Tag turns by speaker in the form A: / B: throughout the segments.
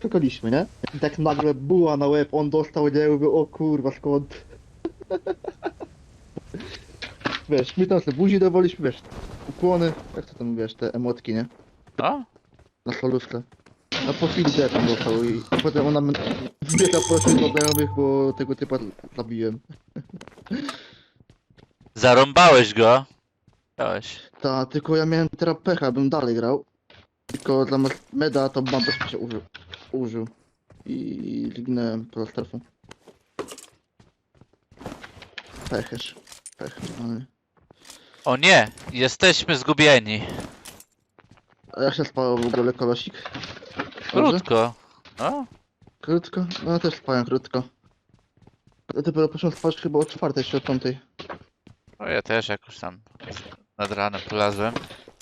A: skakaliśmy, nie? I tak nagle buła na łeb, on dostał, nie? Mówię, o kurwa, skąd? Wiesz, my tam sobie buzi dawaliśmy, wiesz, ukłony, jak to tam, wiesz, te emotki, nie?
B: No?
A: Na solówce. A po chwili tam dostał i potem ona zbiega prosił do znajomych, bo tego typa zabiłem.
B: Zarąbałeś go. Dałeś.
A: Ta, tylko ja miałem teraz pecha, bym dalej grał. Tylko zamiast meda to bandów się użył. I zginąłem poza strefą. Pechesz. Pech, normalnie.
B: O nie! Jesteśmy zgubieni.
A: A jak się spało w ogóle kolosik? Dobrze?
B: Krótko. No?
A: Krótko? No ja też spałem krótko. Ja dopiero poszedłem spać chyba o 4 czy o 5.
B: No ja też jakoś tam nad ranem polazłem.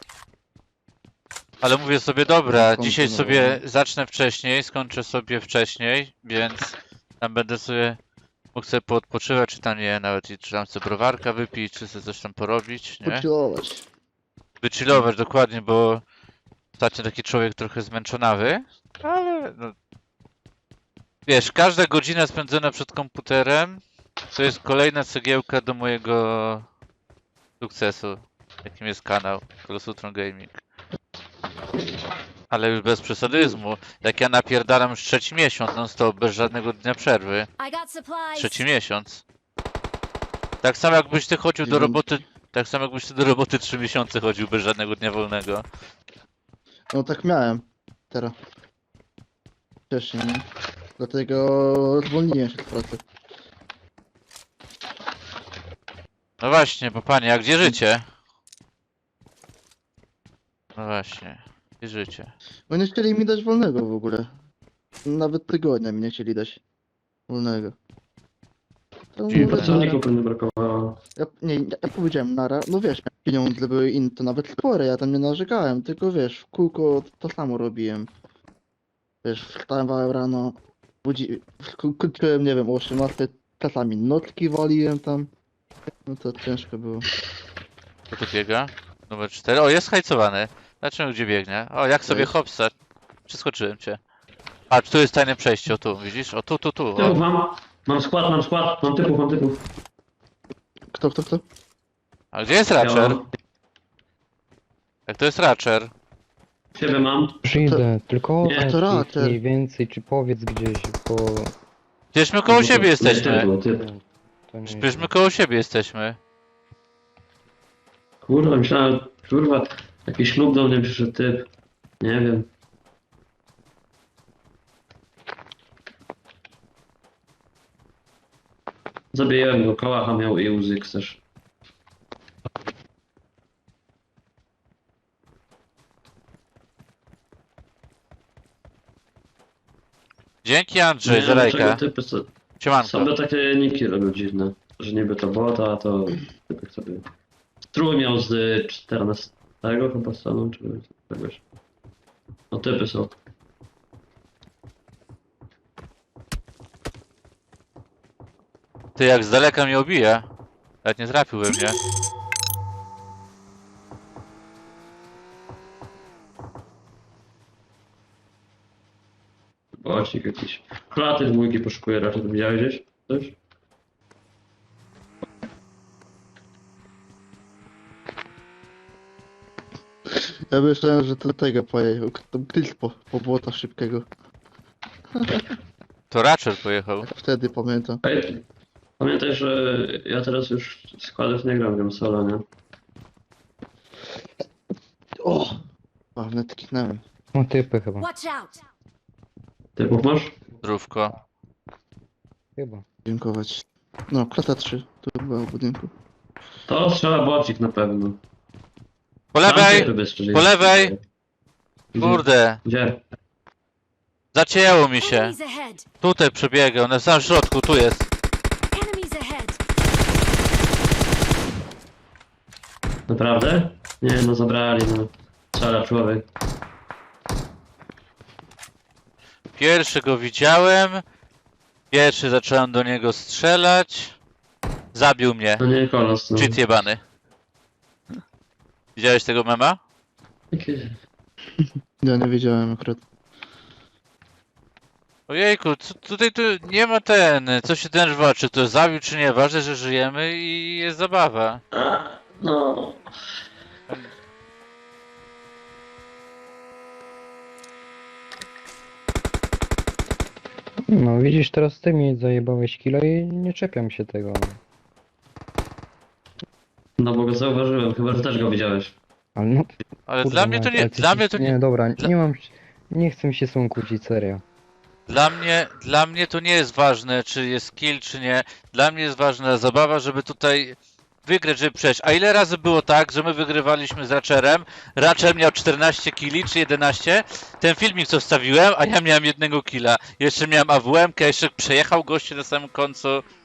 B: Ale mówię sobie, dobra, dzisiaj sobie zacznę wcześniej, skończę sobie wcześniej, więc tam będę sobie mógł sobie poodpoczywać, czy tam nie, nawet i czy tam sobie browarka wypić, czy sobie coś tam porobić, nie?
A: Pochillować.
B: Wychillować dokładnie, bo ostatnio taki człowiek trochę zmęczonawy, ale no, wiesz, każda godzina spędzona przed komputerem to jest kolejna cegiełka do mojego sukcesu, jakim jest kanał Kolosutron Gaming. Ale już bez przesadyzmu. Jak ja napierdalam już trzeci miesiąc non stop, bez żadnego dnia przerwy.
C: I got supplies.
B: Trzeci miesiąc. Tak samo jakbyś ty chodził do roboty. Tak samo jakbyś ty do roboty 3 miesiące chodził bez żadnego dnia wolnego.
A: No tak miałem. Teraz. Wcześniej, nie? Dlatego zwolniłem się z pracy.
B: No właśnie, bo panie, a gdzie życie? No właśnie, gdzie życie?
A: Bo nie chcieli mi dać wolnego w ogóle. Nawet tygodnia mi nie chcieli dać wolnego. To
B: Dziwne.
A: mówię,
D: Pracowników nie brakowało.
A: ja powiedziałem nara, no wiesz, pieniądze były inne, to nawet spore, ja tam nie narzekałem, tylko wiesz, w kółko to samo robiłem. Wiesz, wstawałem rano, kończyłem, nie wiem, o 18, czasami nocki waliłem tam. No to ciężko było.
B: Kto tu biega? Numer 4. O, jest hajcowany. Zobaczymy gdzie biegnie. O, jak sobie
A: Cześć.
B: hopsa. Przeskoczyłem cię. Patrz, tu jest tajne przejście, o tu, widzisz? O tu.
D: Typów
B: O.
D: mam skład, mam typów.
A: Kto?
B: A gdzie jest
D: Ja
B: Ratcher?
D: mam.
B: Jak to jest Ratcher?
D: Siebie mam.
E: Przyjdę, tylko
D: Nie,
E: oddaj
A: to
E: ich
A: raczej.
E: mniej więcej, czy powiedz gdzieś, bo...
B: Przecież my koło siebie jesteśmy.
D: Nie, to typ.
E: To nie
B: Przecież my koło siebie jesteśmy.
D: Kurwa, myślałem, kurwa, jakiś ślub do mnie przyszedł typ. Nie wiem. Zabijałem go, kałacha miał i łzyk też.
B: Dzięki Andrzej
D: Nie
B: za
D: wiem,
B: lajka.
D: dlaczego typy
B: Siemanko.
D: sobie takie niki robią dziwne. Że niby to bota, to typek sobie... Strój miał z 14 chyba stanu, czy czegoś. No typy są.
B: Ty jak z daleka mnie obija. Nawet nie trafiłby mnie.
D: Bocik jakiś. Klaty dwójki poszukuje raczej, to widziałeś gdzieś? Coś?
A: Ja myślałem, że to tego pojechał, tam Chris po błota szybkiego.
B: To Ratcher pojechał.
A: Wtedy pamiętam.
D: Ej, pamiętaj, że ja teraz już składów nie gram solo, nie?
A: O! Ważne, tknąłem.
E: No typy chyba,
C: Watch out.
D: Typów masz?
B: Zdrówko.
E: chyba.
A: Dziękować. No, klata 3, tu była w budynku.
D: To strzela bocik na pewno.
B: Po
D: Tam
B: lewej!
D: typy bezstrzelnie.
B: Po lewej!
D: Gdzie?
B: Kurde.
D: Gdzie?
B: Zacięło mi się.
C: Enemies ahead.
B: Tutaj przebiegał, na samym środku, tu jest.
C: Enemies ahead.
D: Naprawdę? Nie, no zabrali, no. Strzela człowiek.
B: Pierwszy go widziałem. Pierwszy zacząłem do niego strzelać. Zabił mnie.
D: No nie, kolos, no.
B: Cheat jebany. Widziałeś tego mema?
D: Jakie-
A: Ja nie wiedziałem akurat.
B: Ojejku, tutaj tu nie ma co się denerwować, czy to zabił, czy nie. Ważne, że żyjemy i jest zabawa.
D: No.
E: No widzisz, teraz ty mi zajebałeś kilo i nie czepiam się tego.
D: No bo go zauważyłem, chyba że też go widziałeś.
E: Ale no,
B: Ale
E: kurwa
B: dla mnie to
E: mać,
B: nie,
E: ale ty
B: dla
E: się-
B: mnie to
E: Nie,
B: nie,
E: dobra,
B: dla-
E: nie mam... Nie chcę mi się z tą kłócić, serio.
B: dla mnie to nie jest ważne, czy jest kill, czy nie. Dla mnie jest ważna zabawa, żeby tutaj wygrać, żeby przejść. A ile razy było tak, że my wygrywaliśmy z Ratcherem, Ratcher miał 14 killi, czy 11, ten filmik co wstawiłem, a ja miałem jednego killa. Jeszcze miałem AWM-kę, jeszcze przejechał goście na samym końcu.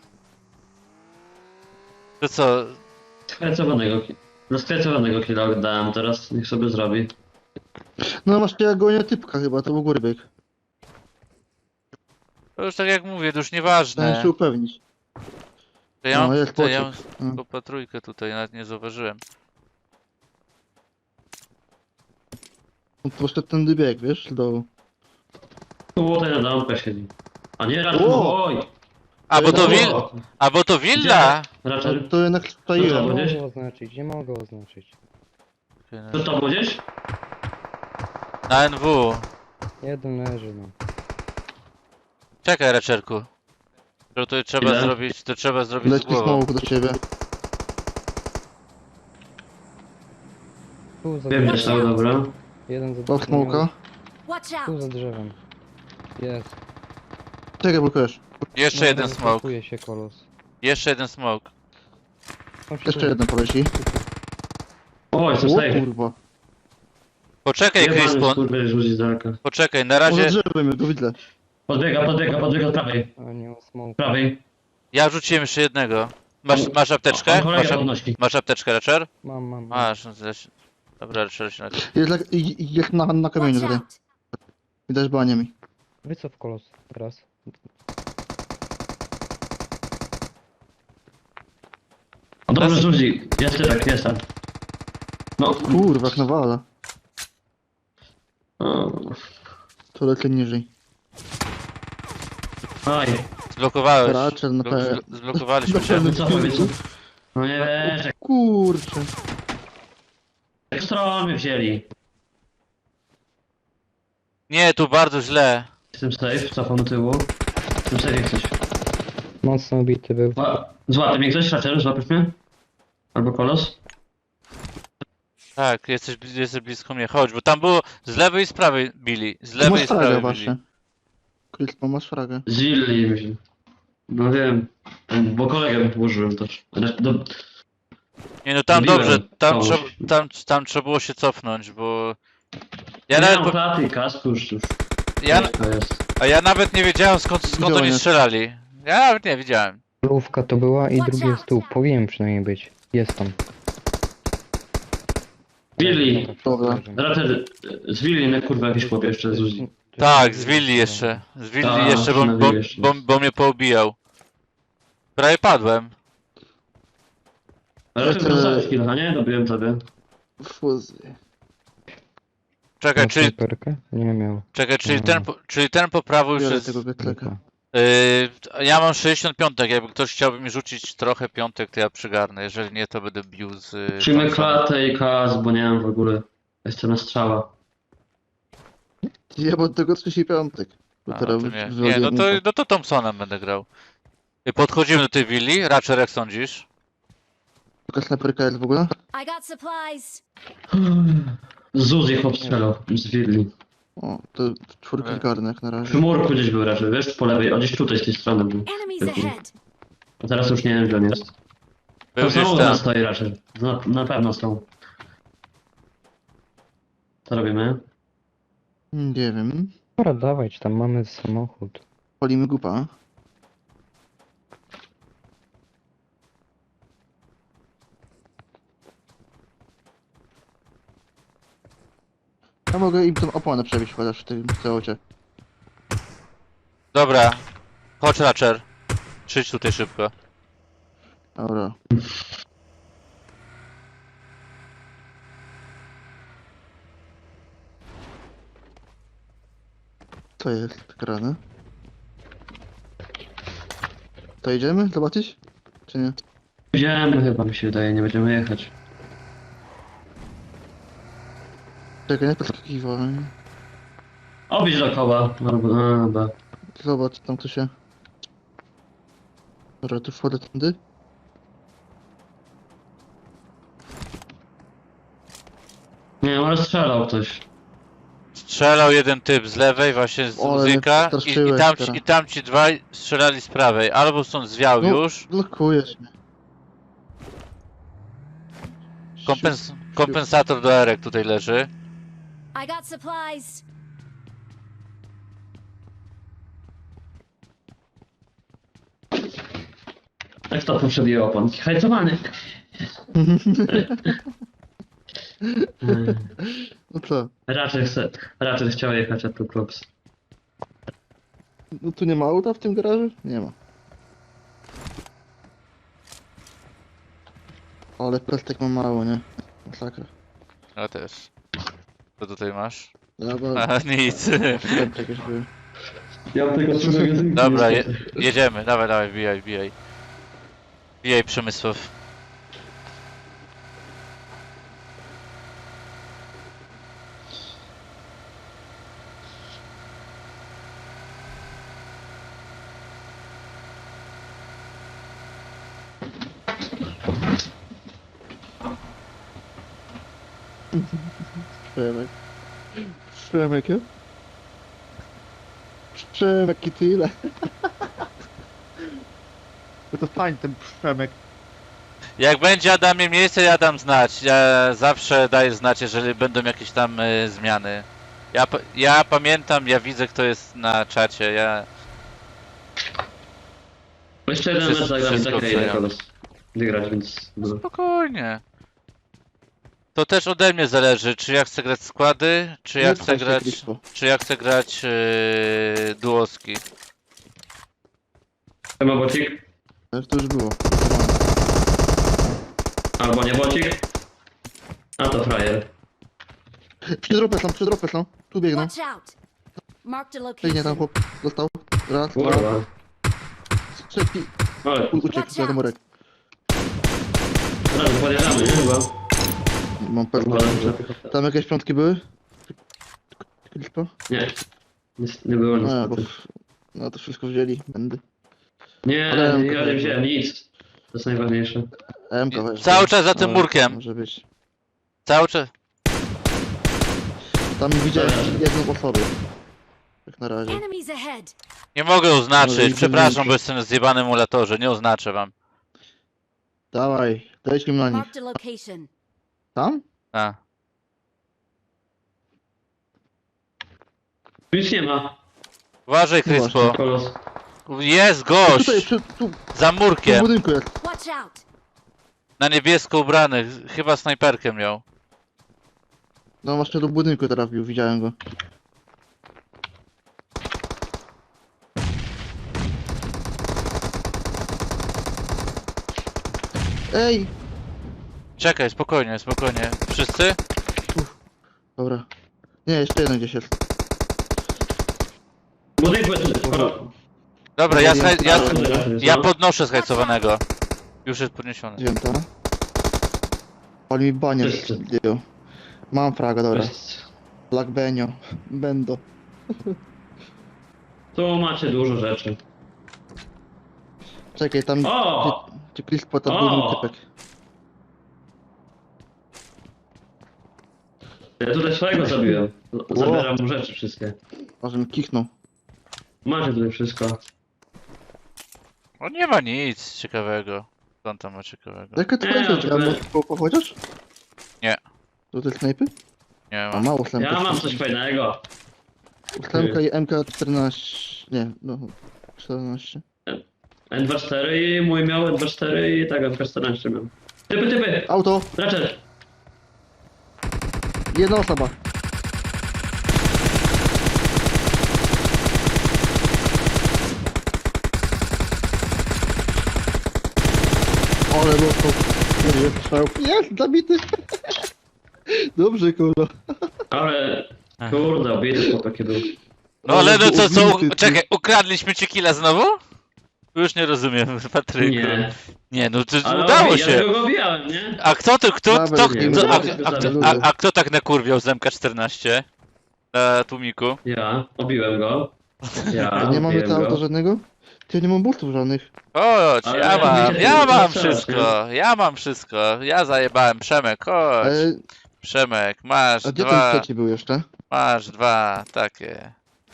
B: To co?
D: Skrecowanego killa oddałem, teraz niech sobie zrobi.
A: No masz ja gonię typka chyba, to był góry bieg.
B: To już tak jak mówię, to już
A: Chciałem
B: nieważne.
A: się upewnić.
B: To ja
A: No,
B: mam,
A: jest
B: to ja mam
A: pociek. No.
B: tylko patrójkę tutaj, nawet nie zauważyłem.
A: On poszedł ten bieg, wiesz, do...
D: Tutaj na domkę siedzi. A nie, raczej,
A: O!
D: oj!
B: A bo to willa!
D: Raczej,
A: To jednak
E: Nie
A: staiłem.
D: Gdzieś?
E: mogę oznaczyć, nie mogę oznaczyć.
D: to tam gdzieś?
B: Na NW.
E: Jeden leży, no.
B: Czekaj, Ratcherku. To trzeba
D: Ile?
B: zrobić, to trzeba zrobić z
A: Leci
B: głową.
A: smoke do ciebie.
E: Tu za
D: Wiem,
E: drzewem.
D: że są, dobra.
E: Jeden za
A: Dał smoka.
C: Watch
E: Tu
C: out!
E: za drzewem. Jest.
A: Czekaj, blokujesz.
B: Jeszcze
E: No,
B: jeden smoke.
E: pakuje się kolos.
B: Jeszcze jeden smoke.
E: Tam się
A: Jeszcze
E: tu-
A: jeden poleci.
D: Oj,
A: O
D: co safe.
A: kurwa.
B: Poczekaj,
D: Jebany
B: Crispon.
D: skurwy rzuci z daleka.
B: Poczekaj, na
A: Może
B: razie
A: drzewem, ja go widzę.
D: Podbiega od prawej.
E: A nie ma smoke.
D: Prawej.
B: ja rzuciłem jeszcze jednego. Masz apteczkę?
D: On kolega
B: Masz,
D: podnosi.
B: masz apteczkę, Ratcher?
E: Mam.
B: Masz, no to się... Dobra, Ratcher się nagle.
A: Jest na kamieniu
C: Watch
A: tutaj.
C: out!
A: Widać baniami.
E: Wycof kolos. Teraz.
D: O, dobrze rzuci. Jest typek, jest tam. No.
A: Kurwa, jak nawala.
D: O.
A: To lecę niżej.
D: Aj.
B: Zblokowałeś.
A: Ratcher na pewno.
B: Zblokowaliśmy się.
A: pewno.
D: Wycofaj, wycofaj. No nie wiesz, jak
A: Kurczę.
D: stromy wzięli.
B: Nie, tu bardzo źle.
D: Jestem safe, cofam do tyłu. Jestem safe jak coś.
E: Mocno ubity był.
D: Złapie mnie ktoś, Ratcher, złapiesz mnie? Albo kolos?
B: Tak, jesteś blisko mnie. Chodź, bo tam było z lewej i z prawej bili. Z
A: Tu
B: lewej
A: masz
B: i z
A: fragę
B: prawej
A: właśnie.
B: bili.
A: Crispo, masz fragę.
D: Z willi mi się. No wiem. Bo kolegę użyłem też.
B: Nie no tam
D: Mówiłem
B: dobrze,
D: komuś.
B: tam trzeba było się cofnąć, bo...
D: Ja
B: Ja nawet,
D: mam klaty i kasku już. To jest.
B: a ja nawet nie wiedziałem skąd
A: Widziałem.
B: oni strzelali. Ja nawet nie wiedziałem.
E: Lówka to była i
C: Watch
E: drugi jest tu. Powinien przynajmniej być. Jest tam.
D: Willi.
A: Dobra.
D: Raczej z willi na kurwa jakiś chłop jeszcze z Uzi.
B: Tak, z Willi jeszcze. Z Willi
D: Tak,
B: jeszcze,
D: na Willi jeszcze.
B: bo mnie poobijał. Prawie padłem.
D: Raczej
A: Jeszcze-
D: dostałeś kilka, nie? Dobiłem tobie.
A: Fuzy.
B: Czekaj,
E: Masz
B: czyli,
E: snajperkę? Nie miał.
B: czyli ten po prawo już
A: Biorę
B: jest...
A: tego wietleka.
B: Ja mam 65, jakby ktoś chciałby mi rzucić trochę piątek, to ja przygarnę. Jeżeli nie, to będę bił z...
D: Przyjmę
B: Thompsona.
D: klatę i kas, bo nie mam w ogóle. Jestem na strzała.
A: Ja bo tego 35. Bo
B: A,
A: teraz
B: no to nie,
A: wywaliłem
B: no
A: info.
B: to Thompsonem będę grał. Podchodzimy do tej willi. Ratcher, jak sądzisz?
A: Jaka snajperka jest w ogóle?
C: I got supplies!
D: Z Uzi chłop strzelał. Z willi.
A: O, to czwórka garnek jak na razie.
D: Przy murku gdzieś był raczej, wiesz? Po lewej, o gdzieś tutaj z tej strony był.
C: Enemies ahead!
D: A teraz już nie wiem gdzie on jest.
B: Był
D: To
B: gdzieś
D: znowu
B: tam.
D: nas stoi raczej. Na pewno są. Co robimy?
A: Nie wiem.
E: Dobra, dawać, tam mamy samochód.
A: Palimy gupa. Ja mogę im tą opłonę przebić chociaż w tym celocie.
B: Dobra. Chodź, Ratcher. Przyjdź tutaj szybko.
A: Dobra. Co jest grane? To idziemy zobaczyć? Czy nie?
D: Idziemy chyba, mi się wydaje, nie będziemy jechać.
A: Czekaj, nie podskakiwaj.
D: Objedź dookoła, albo, a, dobra.
A: Zobacz, tam to się... Dobra, tu wchodzę tędy.
D: Nie, może strzelał ktoś.
B: Strzelał jeden typ z lewej, właśnie z
A: Ale mnie
B: muzyka
A: przestraszyłeś teraz.
B: i tam ci dwaj strzelali z prawej. Albo stąd zwiał
A: No.
B: już,
A: Blokujesz mnie.
B: kompensator do Erek tutaj leży.
C: I got supplies.
D: Tak to poprzednie opon. Hajcowany.
A: No co?
D: Raczej chciał jechać, a tu klops.
A: No tu nie ma auta w tym garażu? Nie ma. Ale pestek ma mało, nie? Masakra.
B: Ja też. Co tutaj masz?
A: Dobra,
B: A, nic.
A: pestek jakieś były.
D: Ja tego magazynku
B: Dobra, jedziemy. Dawaj, dawaj, wbijaj, wbijaj. Wbijaj Przemysław.
A: Przemek. Przemek, ja? Przemek i tyle. No to fajnie ten Przemek.
B: Jak będzie Adamie miejsce, ja dam znać. Ja zawsze daję znać, jeżeli będą jakieś tam zmiany. Ja pamiętam, ja widzę kto jest na czacie, ja...
D: Jeszcze jeden mecz zagramy,
B: Wszystko
D: czekaj, idę
B: oceniam.
D: kogoś wygrać, więc... No.
B: Spokojnie. To też ode mnie zależy, czy ja chcę grać składy, czy ja
A: Nie
B: chcę
A: pchaj się,
B: grać...
A: Crispo.
B: Czy ja chcę grać duoski.
D: Chyba bocik?
A: Ale to już było.
D: Albo nie bocik? A to frajer.
A: Przy dropę są. Tu biegną.
C: Watch out. Marked a
A: Biegnie tam
C: location.
A: chłop. Dostał. Raz, dwa.
D: Kurwa.
A: Trzeci.
D: Ale,
A: Uciekł z wiadomorek.
D: zaraz podjeżdżamy, nie? Chyba.
A: Mam pewno. Tam jakieś piątki były? Crispo?
D: Nie. Nie było nic.
A: No, bo... No to wszystko wzięli. Będę.
D: Nie,
A: Ale-
D: ja nie wziąłem nic. To jest najważniejsze.
A: MK weź.
B: Cały czas za tym
A: Ale
B: murkiem.
A: Może być.
B: Cały czas.
A: Tam widziałem jedną osobę. Jak na razie.
C: Enemies ahead.
B: Nie mogę
A: Może
B: oznaczyć,
A: i
B: przepraszam,
A: więcej.
B: bo jestem na zjebanym emulatorze, nie oznaczę wam.
A: Dawaj, dajcie mi na nich.
C: Marked a location.
A: Tam?
B: A.
D: Tu nic nie ma.
B: Uważaj,
A: No
B: Crispo.
A: właśnie.
D: Kolos.
B: Jest
A: Tutaj,
B: gość!
A: tu
B: Za
A: w
B: murkiem.
A: budynku jest.
C: Watch out.
B: Na niebiesko ubrany. Chyba snajperkę miał.
A: No właśnie do budynku trafił, widziałem go. Ej!
B: Czekaj, spokojnie, spokojnie. Wszyscy?
A: Dobra. Nie, jeszcze jeden gdzieś jest.
D: Budynku jest...
B: Dobra,
A: Ja
B: ja podnoszę zhajcowanego. Już jest podniesiony.
A: Wzięta. Ale mi banie
D: Wszyscy.
A: zdjął. Mam fraga, dobra.
D: Jest.
A: Black Benio. Bendo.
D: Tu macie dużo rzeczy.
A: Czekaj, tam...
D: O!
A: Gdzie Crispo tam
D: O!
A: był mój typek.
D: Ja tutaj swojego zabiłem. Zabieram mu rzeczy wszystkie.
A: Może mi kichnął.
D: Macie tutaj wszystko.
B: O, nie ma nic ciekawego. Co on tam ma ciekawego?
A: Jaka to
D: Nie,
A: jest rzecz?
D: ale-
A: Pochodzisz?
B: Nie.
A: To te snajpy?
B: Nie
A: A
B: ma.
A: mało snajpy.
D: Ja mam coś fajnego.
A: Ósemka i MK14. Nie, no. 14.
D: N24 i mój miał N24 i tak N14 miał. Typy!
A: Auto!
D: Raczej!
A: Jedna osoba. Ale no to... Jest, zabity! Dobrze, kurwa.
D: Ale... Kurde, obity chłopak był.
B: No ale no co,
A: obity, ty.
B: czekaj, ukradliśmy ci killa znowu? Już nie rozumiem, Patryku.
D: Nie.
B: Nie, no to
D: Ale
B: udało
D: ja
B: się.
D: tego go bijałem, nie?
B: A kto to,
A: Dawaj,
B: kto,
D: nie,
B: a kto tak nakurwiał z MK14? Na tłumiku?
D: Ja. Obiłem go. Ja.
A: Nie mamy
D: obiłem
A: to auta
D: go.
A: żadnego? Ty nie mam bultów żadnych.
B: Chodź,
D: Ale
B: ja mam,
D: wiecie,
B: ja
D: to
B: mam
D: strzelasz,
B: wszystko, ja mam wszystko. Ja zajebałem, Przemek, chodź. Przemek, masz
A: A gdzie ten
B: dwa,
A: trzeci był jeszcze?
B: masz dwa, takie.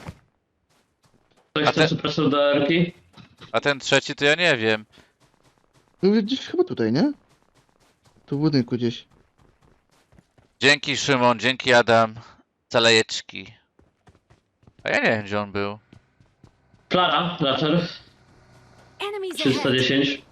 D: Ktoś
B: A
D: chce
B: te-
D: przepraszam do Erki?
B: A ten trzeci to ja nie wiem.
A: Był gdzieś chyba tutaj, nie? Tu w budynku gdzieś.
B: Dzięki Szymon, dzięki Adam. Calejeczki. A ja nie wiem gdzie on był.
D: Klara, Ratcher.
C: Enemies ahead.
D: 310.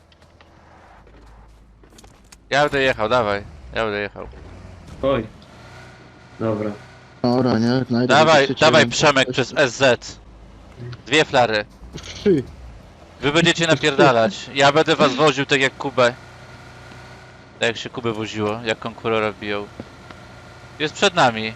B: Ja będę jechał, dawaj. Ja będę jechał.
D: Oj. Dobra.
A: Dobra, nie? Znajdę
B: Dawaj,
A: gdzieś
B: dawaj
A: trzeciego.
B: Przemek przez SZ. Dwie flary.
A: 3.
B: Wy będziecie napierdalać. Ja będę was woził tak jak Kubę. Tak jak się Kubę woziło, jak konkurora biją. Jest przed nami.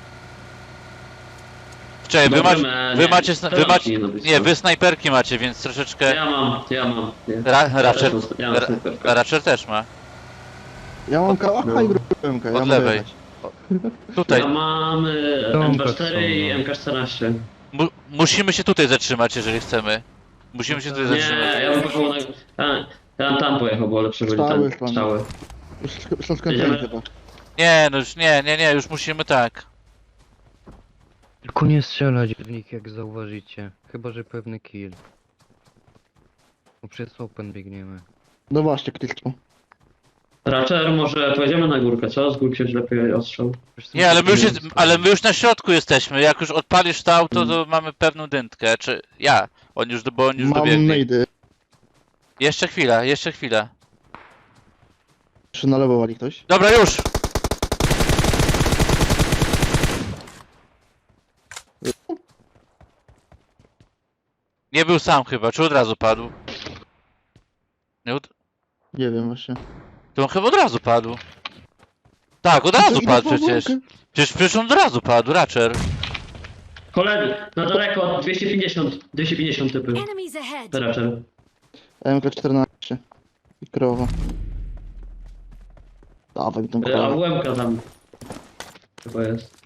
B: Czekaj, wy macie, nie, wy snajperki macie, więc troszeczkę...
D: Ja mam. Nie.
B: Ratcher,
D: Ja mam snajperkę.
B: Ratcher też ma.
A: Ja mam kałacha i grupemkę. Ja
B: Od
A: mogę
B: lewej.
A: jechać.
B: Tutaj.
D: Ja mam
E: Domka
D: MK4
E: są,
D: i
E: no.
D: MK14.
B: Musimy się tutaj zatrzymać, jeżeli chcemy. Musimy się tutaj
D: Nie,
B: zatrzymać.
D: ja bym pojechał ja bym tam pojechał, bo lepsze byli
A: Strzały
D: tam
A: tam.
D: strzały.
A: Już są skończone
D: Jedziemy?
A: chyba.
B: Nie, no już nie, już musimy tak.
E: Tylko nie strzelać w nich jak zauważycie. Chyba, że pewny kill. Bo przez open biegniemy.
A: No właśnie, kliknął.
D: Ratcher, może pojedziemy na górkę, co? Z górki się lepiej ostrzał.
B: Nie, ale my już na środku jesteśmy. Jak już odpalisz to auto, to mamy pewną dętkę. Czy ja? Bo on już
A: Mam
B: dobiegnie.
A: nejdy.
B: Jeszcze chwila, jeszcze chwila.
A: Jeszcze na lewo wali ktoś.
B: Dobra, już! Nie był sam chyba, czy od razu padł? Nie od...
A: Nie wiem właśnie.
B: To on chyba od razu padł. Tak, od razu
A: Idę
B: padł
A: po
B: przecież.
A: łąkę.
B: Przecież on od razu padł, Ratcher.
D: Koledzy, na daleko, 250 typy.
C: Enemies ahead.
D: Ratcher.
A: MK14. I krowa. Dawaj mi tą
D: A
A: krowę.
D: UMK tam chyba jest.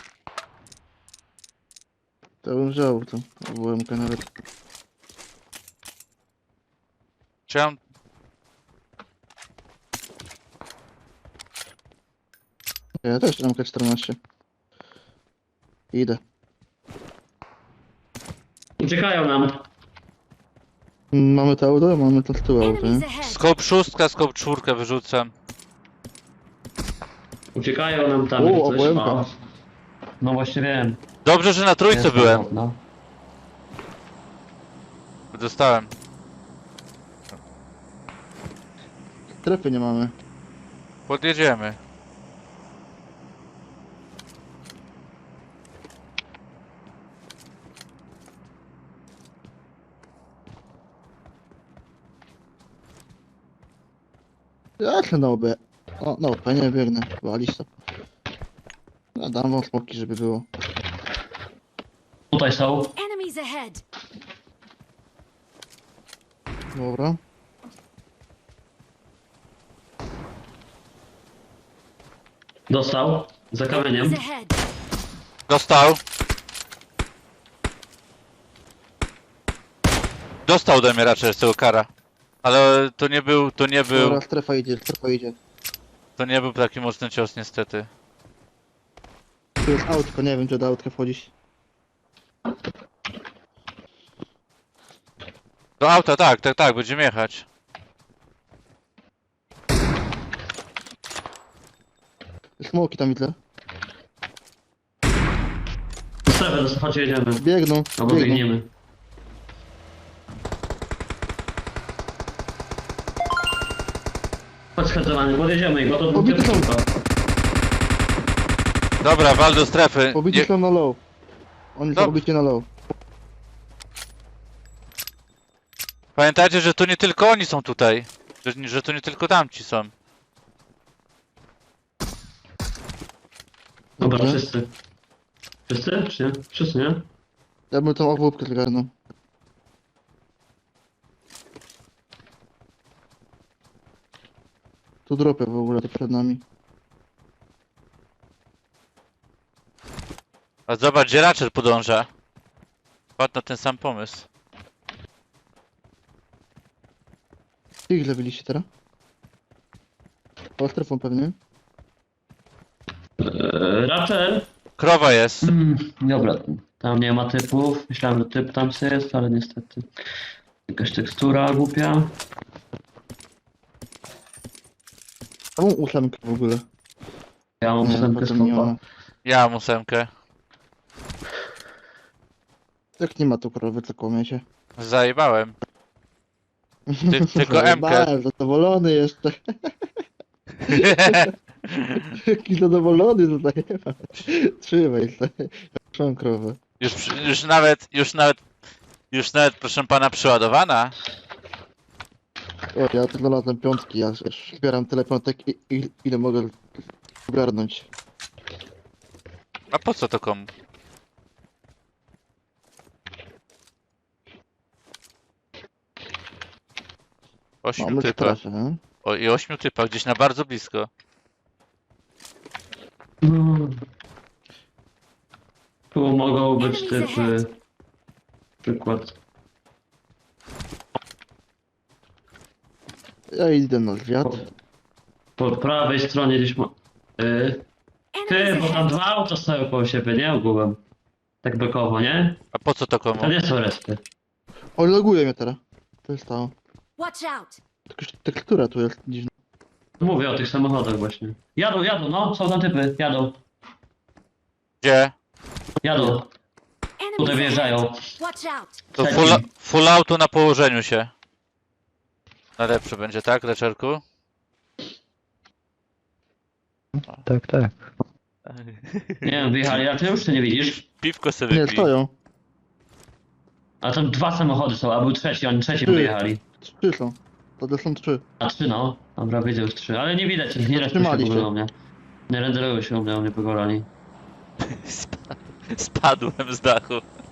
A: To bym wziął tą WMK nawet.
B: Czy ja mam...
A: Ja też MK14. Idę.
D: Uciekają nam.
A: Mamy to auto, mamy to z tyłu auto, nie?
C: Enemies ahead.
B: Scope 6, scope 4 wyrzucam.
D: Uciekają nam tam.
A: O,
D: jak coś.
A: UMK.
D: O. No właśnie wiem.
B: Dobrze, że na trójce
D: Jest
B: byłem.
D: tam, no.
B: Dostałem.
A: Strefy nie mamy.
B: Podjedziemy.
A: Jak na OB? O, na OB nie biegnę. Walić to. Ja dam wam smoki, żeby było.
D: Tutaj są.
C: Enemies ahead.
A: Dobra.
D: Dostał. Za kamieniem.
C: Enemies ahead.
B: Dostał. Dostał ode mnie raczej z tego kara. Ale to nie był,
A: Dobra, strefa idzie, strefa idzie.
B: to nie był taki mocny cios niestety.
A: Tu jest autko, nie wiem czy do autka wchodzić.
B: Do auta, tak, będziemy jechać.
A: Smoki tam widzę.
D: Strefę, chodźcie, jedziemy.
A: Biegną,
D: Albo
A: biegną.
D: biegniemy. Chodź schadzowany, podjedziemy ich, bo to
A: Pobity są.
D: tylko.
B: Dobra, wal do strefy.
A: Pobici
B: Nie,
A: są na low. Oni są
B: Dob-
A: pobici na low.
B: pamiętajcie, że to nie tylko oni są tutaj. Że to nie tylko tamci są.
D: Dobra,
A: Dobrze.
D: wszyscy. Wszyscy? Czy nie? Wszyscy, nie?
A: Ja bym tą obłupkę zgarnął. Tu dropy w ogóle to przed nami.
B: A zobacz, gdzie Ratchet podąża. Padł na ten sam pomysł.
A: Ty ile byliście teraz? Po strefą pewnie.
D: Raczej.
B: Krowa jest.
D: Dobra, tam nie ma typów. Myślałem, że typ tam sobie jest, ale niestety. Jakaś tekstura głupia.
A: Samą ósemkę w ogóle.
D: Ja mam
A: Nie,
D: ósemkę
A: potem nie
D: skopa.
A: ma.
B: Ja mam 8.
A: Jak nie ma tu krowy, to kłamiecie.
B: Zajebałem. Tylko
A: Zajebałem, zadowolony jeszcze. Jaki zadowolony tutaj. Trzymaj sobie. Trzymam krowę.
B: Już nawet, proszę pana, przeładowana.
A: O, ja tu znalazłem piątki, ja zbieram tyle piątek, ile mogę ogarnąć.
B: A po co to komu? Ośmiu
A: Mamy
B: typa.
A: strefę, nie?
B: O, i 8 typa, gdzieś na bardzo blisko.
D: Tu mogą być typy. Przykład.
A: Ja idę na zwiat.
D: Po prawej stronie gdzieś ma... Ty,
C: Enemies
D: bo tam
C: ahead!
D: dwa auta stoją koło siebie, nie? Ogółem. Tak bekowo, nie?
B: A po co to komu?
D: To nie są respy.
A: O, loguje mnie teraz. To jest stało.
C: Watch out!
A: Tylko że tekstura tu jest dziwna.
D: Mówię o tych samochodach właśnie. Jadą, no, są tam typy, jadą.
B: Gdzie?
D: Jadą,
C: Enemies
D: tutaj
C: ahead!
D: wyjeżdżają.
C: Watch out!
B: To
D: Trzeci.
B: full auto na położeniu się. Najlepsze będzie, tak, Leczerku?
E: Tak, tak.
D: Nie wiem, wyjechali, a ty już czy nie widzisz?
B: Piwko sobie
A: Nie,
B: wypij.
A: stoją.
D: A tam dwa samochody są, a był trzeci, oni trzecim
A: Ty.
D: wyjechali.
A: 3 są. To są 3.
D: A trzy no, dobra, widzę już trzy, ale nie widać ich, nie respią się w
A: Trzymali
D: ogóle
A: się.
D: u mnie. Nie renderują się u mnie pogorali.
B: Spadłem z dachu.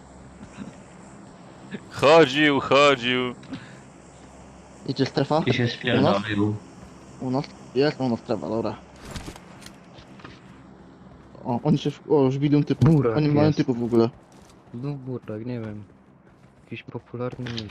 B: Chodził.
A: Idzie strefa?
D: I się spierdolił.
A: U nas? Jest u nas strefa, dobra. O, oni się... O, już widzą typów.
E: Murak
A: Oni mają
E: jest.
A: typów w ogóle.
E: Znów burak, nie wiem. Jakiś popularny nick.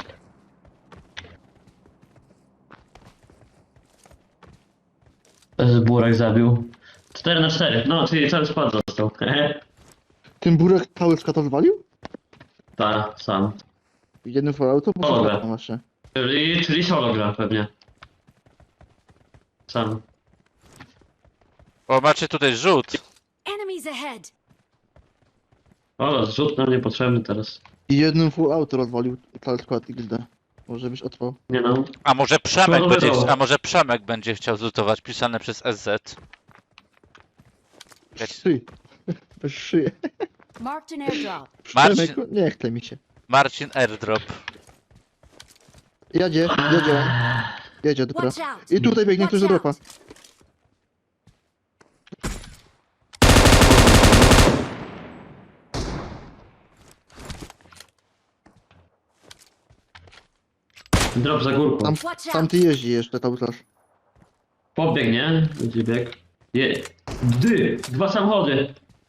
D: Burek zabił. 4 na 4, no, czyli cały skład został.
A: Ten burek cały skład rozwalił?
D: Tak, sam.
A: Jeden falloutu? Bo
D: Dobra.
A: to właśnie.
D: Czyli solo gra pewnie. Sam.
B: O, macie tutaj rzut.
C: Enemies ahead!
D: O, zrzut nam niepotrzebny teraz.
A: I jednym full auto rozwalił cały skład XD. Może byś otworzył.
D: Nie no.
B: A może Przemek będzie chciał zlutować, pisane przez SZ.
A: Szyj. Bez szyję.
C: Marked an airdrop.
B: Marcin-
A: Przemek, nie chce mi się.
B: Marcin Airdrop.
A: Jedzie. Jedzie, dobra.
C: Watch out!
A: I tutaj biegnie ktoś do
C: Watch
A: dropa.
C: out!
D: Drop za górką.
A: Tam,
C: Watch
A: tam
C: out!
A: ty jeździ jeszcze cały czas.
D: Pobieg, nie? Będzie bieg. Dy! Dwa samochody!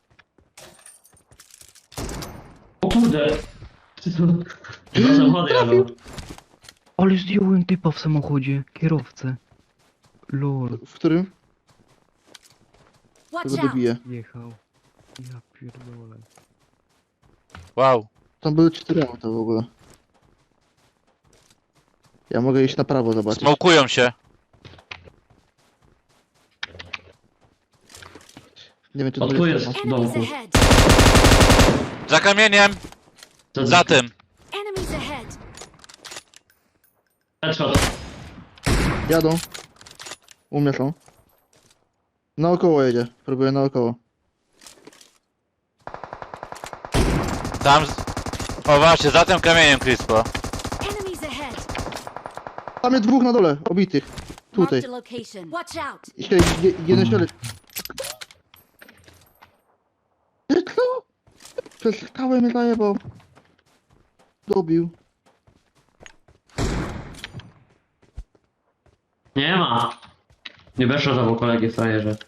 D: O kurde! Dwa samochody jadą.
E: Ale zdjąłem typa w samochodzie, kierowcę. Lol,
A: W którym?
C: Watch
A: Tego
C: out!
A: dobiję.
E: jechał. Ja pierdolę.
B: Wow.
A: Tam były 4 auta w ogóle. Ja mogę iść na prawo zobaczyć.
B: Smokują się.
A: Nie wiem czy
D: O,
A: to
D: tu
A: jest
D: jest.
A: strefa.
C: Enemies
D: Domku.
C: ahead!
B: Za kamieniem. Za tym.
C: Enemies ahead!
D: Headshot.
A: Jadą. U mnie są. Naokoło jedzie. Próbuję naokoło.
B: Tam. O właśnie, za tym kamieniem, Crispo.
C: Enemies ahead!
A: Tam jest dwóch na dole, obitych. Tutaj.
C: Marked a location. Watch out!
A: Jeden środek. Co? Przez skałę mnie zajebał. Dobił.
D: Nie ma. Nie weszło za kolegi frajerze.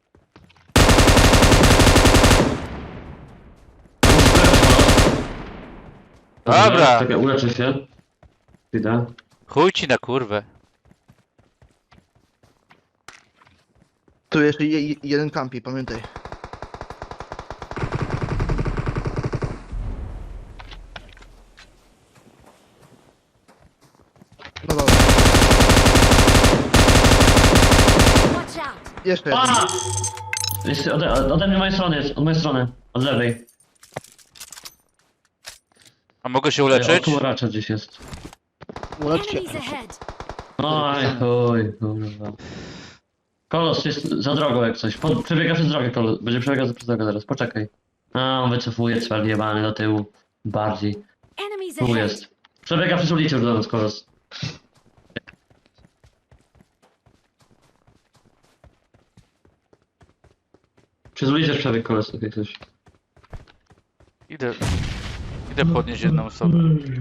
B: Dobra.
D: Czekaj, uleczę się. Chwila.
B: Chuj ci na kurwę.
A: Tu jeszcze jeden kampi, pamiętaj. No dobra,
C: Watch out!
A: jeszcze jeden.
D: A! Jest ode mnie mojej strony jest, od mojej strony. Od lewej.
B: A mogę się uleczyć?
D: Tu raczej gdzieś jest.
A: Ulecz się.
C: Enemies ahead!
D: Oj, oj, kurwa. Kolos jest za drogą jak coś. Przebiega przez drogę kolos. Będzie przebiegał przez drogę zaraz. Poczekaj. A, on wycofuje cwel jebany do tyłu. Bardziej.
C: Enemies
D: Tu
C: ahead!
D: jest. Przebiega przez ulicę już do nas kolos. Przez ulicę przebieg kolos, jak coś.
B: Idę podnieść jedną osobę.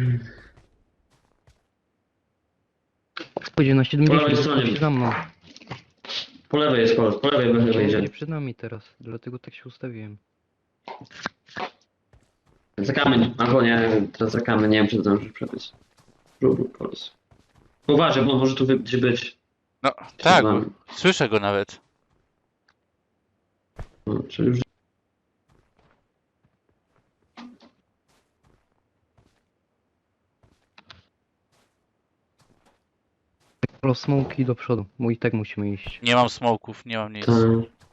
E: Pójdzie na
D: Po lewej
E: 70,
D: stronie.
E: chodź za mną.
D: Po lewej jest kolos, po lewej będzie.
E: Będzie przed nami teraz, dlatego tak się ustawiłem.
D: Za kamień, albo nie, teraz za kamień, nie wiem czy zdążysz przebiec. Rób kolos. Uważaj, bo on może tu gdzieś być.
B: No, tak,
D: nami.
B: słyszę go nawet.
D: No, czyli już...
E: Pro smoki do przodu, bo i tak musimy iść.
B: Nie mam smoków, nie mam nic.
D: To...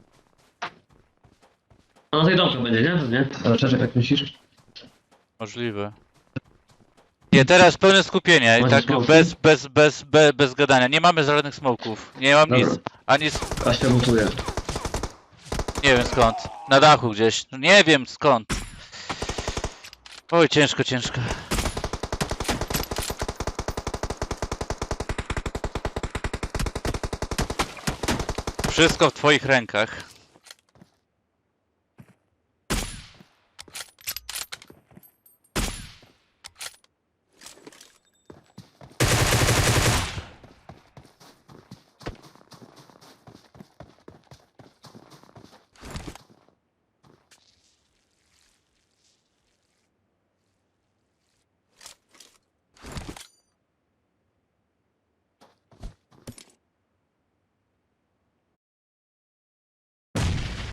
D: A na tej domku będzie, nie? Nie? Ale Czeszek, jak myślisz?
B: Możliwe. Nie, teraz pełne skupienie i
D: Macie
B: tak
D: smoki?
B: bez gadania. Nie mamy żadnych smoków. Nie mam
D: Dobra.
B: nic. Ani
D: A się mutuje.
B: nie wiem skąd. Na dachu gdzieś. No nie wiem skąd. Oj, ciężko, ciężko. Wszystko w twoich rękach.